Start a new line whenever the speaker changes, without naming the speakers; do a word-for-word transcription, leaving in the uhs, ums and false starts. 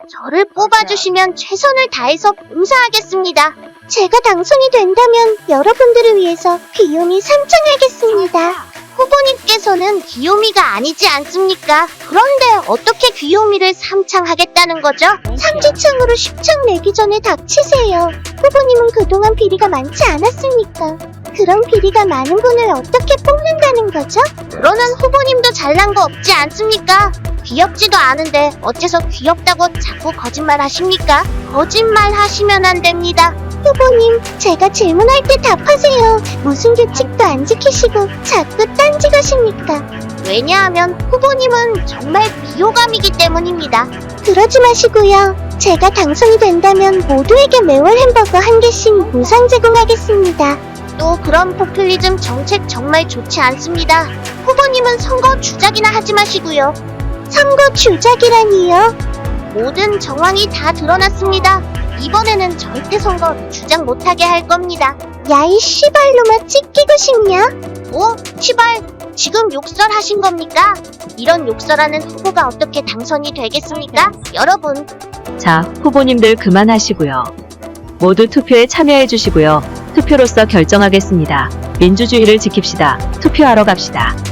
저를 뽑아주시면 최선을 다해서 봉사하겠습니다.
제가 당선이 된다면 여러분들을 위해서 귀요미 삼창하겠습니다.
후보님께서는 귀요미가 아니지 않습니까? 그런데 어떻게 귀요미를 삼창하겠다는 거죠?
삼지창으로 십창 내기 전에 닥치세요. 후보님은 그동안 비리가 많지 않았습니까? 그런 비리가 많은 분을 어떻게 뽑는다는 거죠?
그러는 후보님도 잘난 거 없지 않습니까? 귀엽지도 않은데 어째서 귀엽다고 자꾸 거짓말 하십니까? 거짓말 하시면 안 됩니다.
후보님, 제가 질문할 때 답하세요. 무슨 규칙도 안 지키시고 자꾸 딴지 가십니까?
왜냐하면 후보님은 정말 비호감이기 때문입니다.
그러지 마시고요. 제가 당선이 된다면 모두에게 매월 햄버거 한 개씩 무상 제공하겠습니다.
또 그런 포퓰리즘 정책 정말 좋지 않습니다. 후보님은 선거 주작이나 하지 마시고요.
선거 주작이라니요?
모든 정황이 다 드러났습니다. 이번에는 절대 선거 주작 못하게 할 겁니다.
야이 씨발로마 찢기고 싶냐?
오, 시발, 지금 욕설하신 겁니까? 이런 욕설하는 후보가 어떻게 당선이 되겠습니까? 여러분,
자, 후보님들 그만하시고요. 모두 투표에 참여해 주시고요. 투표로서 결정하겠습니다. 민주주의를 지킵시다. 투표하러 갑시다.